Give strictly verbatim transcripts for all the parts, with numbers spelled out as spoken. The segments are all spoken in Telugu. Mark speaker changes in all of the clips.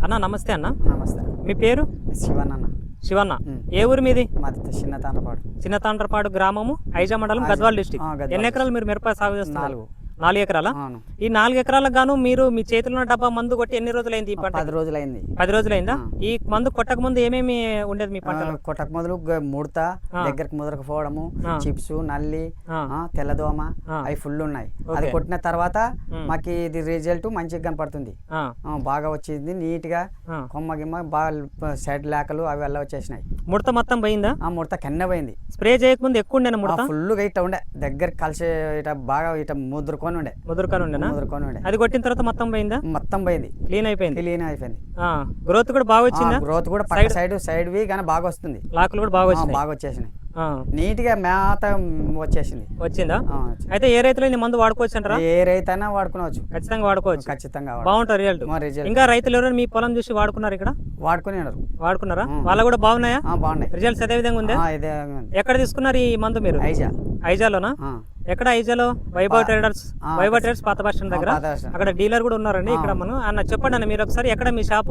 Speaker 1: అన్న నమస్తే అన్న.
Speaker 2: నమస్తే.
Speaker 1: మీ పేరు?
Speaker 2: శివన్ అన్న.
Speaker 1: శివన్న. ఏ ఊరు మీది?
Speaker 2: మాది చిన్న తాండ్రపాడు.
Speaker 1: చిన్న తాండ్రపాడు గ్రామము, ఐజా మండలం, గద్వాల్ డిస్టిక్. ఎన్ని ఎకరాలు మీరు మిరప సాగు చేస్తున్నారు?
Speaker 2: నాలుగు.
Speaker 1: నాలుగు ఎకరాల. ఈ నాలుగు ఎకరాలకు గాను మీరు మీ చేతిలో డబ్బా మందు కొట్టి ఎన్ని రోజులైంది? ఈ పంట
Speaker 2: పది రోజులైంది.
Speaker 1: పది రోజులైందా? ఈ మందు కొట్టక ముందు ఏమేమి ఉండేది మీ పంట?
Speaker 2: కొట్టక మొదలు ముడత, దగ్గరకు ముదరకు పోవడము, చిప్స్, నల్లి, తెల్లదోమ అవి ఫుల్ ఉన్నాయి. అది కొట్టిన తర్వాత మాకు ఇది రిజల్ట్ మంచిగా కనపడుతుంది, బాగా వచ్చింది. నీట్ గా కొమ్మ గిమ్మ బాగా సైడ్ లేకలు అవి అలా వచ్చేసినాయి.
Speaker 1: ముడత మొత్తం పోయిందా?
Speaker 2: ఆ ముడత కెన్న పోయింది.
Speaker 1: స్ప్రే చేయకముందు ఎక్కువ ఉండేనా ముడత?
Speaker 2: ఫుల్ గా ఇట్లా ఉండే, దగ్గర కలిసి ఇట బాగా ఇట ముద్రకొని ఉండే.
Speaker 1: ముదురుకొని ఉండేనా?
Speaker 2: ముదురుకొని ఉండే.
Speaker 1: అది కొట్టిన తర్వాత మొత్తం పోయిందా?
Speaker 2: మొత్తం పోయింది,
Speaker 1: క్లీన్ అయిపోయింది.
Speaker 2: క్లీన్ అయిపోయింది.
Speaker 1: గ్రోత్ కూడా బాగా వచ్చిందా?
Speaker 2: గ్రోత్ కూడా పక్క సైడ్ సైడ్ వి కానీ బాగా వస్తుంది.
Speaker 1: లాకులు కూడా బాగా వచ్చినాయి.
Speaker 2: బాగా వచ్చేసినాయి. నీట్ గా మేత వచ్చేసింది.
Speaker 1: వచ్చిందా? అయితే ఏ రైతులు ఈ మందు వాడుకోవచ్చు అంటారా?
Speaker 2: ఏ రైతు అయినా వాడుకోవచ్చు,
Speaker 1: ఖచ్చితంగా వాడుకోవచ్చు.
Speaker 2: ఖచ్చితంగా
Speaker 1: బాగుంటుంది రిజల్ట్. ఇంకా రైతులు ఎవరైనా మీ పొలం చూసి వాడుకున్నారు? ఇక్కడ
Speaker 2: వాడుకుని
Speaker 1: వాడుకున్నారా? వాళ్ళ కూడా బాగున్నాయా?
Speaker 2: బాగున్నాయి.
Speaker 1: రిజల్ట్స్ అదే విధంగా ఉందా? ఎక్కడ తీసుకున్నారు ఈ మందు మీరు?
Speaker 2: ఐజా.
Speaker 1: ఐజాలోనా? ఎక్కడ ఐజాలో? వైభవ్ ట్రేడర్స్. వైభవ్ ట్రేడర్స్ పాత బస్ స్టాండ్ దగ్గర. అక్కడ డీలర్ కూడా ఉన్నారండి. ఇక్కడ మనం అన్న చెప్పండి అన్న, మీరు ఒకసారి ఎక్కడ మీ shop?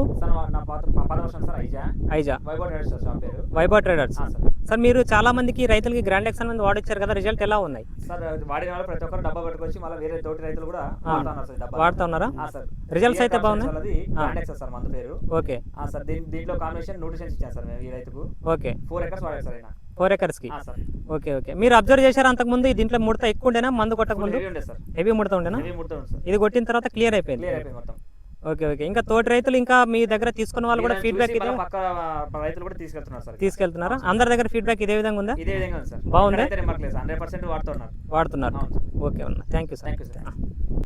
Speaker 1: Aiza Vaibhav traders. Sir మీరు చాలా మందికి రైతులకి గ్రాండ్ ఎక్సన్ మంది వాడొచ్చారు కదా, రిజల్ట్ ఎలా ఉన్నాయి?
Speaker 3: సార్ వాడిన వాళ్ళు ప్రతి ఒక్కరు డబ్బా పట్టుకొచ్చి మళ్ళీ వేరే తోటి రైతులు కూడా
Speaker 1: వాడుతా ఉన్నారా? రిజల్ట్స్ అయితే బాగున్నాయి.
Speaker 3: సార్ మందు పేరు.
Speaker 1: ఓకే
Speaker 3: సార్ దీంట్లో కాంబినేషన్ న్యూట్రిషన్స్ ఇచ్చాను సార్ మేము ఈ రైతుకు.
Speaker 1: ఓకే.
Speaker 3: ఫోర్ ఎకర్స్ వాడారు సార్ ఆయన.
Speaker 1: ఫోర్ ఎకర్స్ కి. Okay okay. మీరు అబ్జర్వ్ చేశారు అంతకు ముందు దీంట్లో ముడత ఎక్కువ ఉండేనా? మందు కొట్టక ముందు హెవీ ముడత ఉండేనా? ఇది కొట్టిన తర్వాత క్లియర్ అయిపోయింది. Okay okay. ఇంకా తోటి రైతులు ఇంకా మీ దగ్గర తీసుకున్న వాళ్ళు కూడా ఫీడ్బ్యాక్ ఇదే
Speaker 3: రైతులు కూడా తీసుకెళ్తున్నారు సార్.
Speaker 1: తీసుకెళ్తున్నారా? అందరి దగ్గర ఫీడ్బ్యాక్ ఇదే విధంగా ఉందా?
Speaker 3: ఇదే విధంగా ఉంది సార్.
Speaker 1: బాగుంది,
Speaker 3: హండ్రెడ్ పర్సెంట్ వాడుతున్నారు.
Speaker 1: వాడుతున్నారు. ఓకే అన్న, థ్యాంక్ యూ సార్.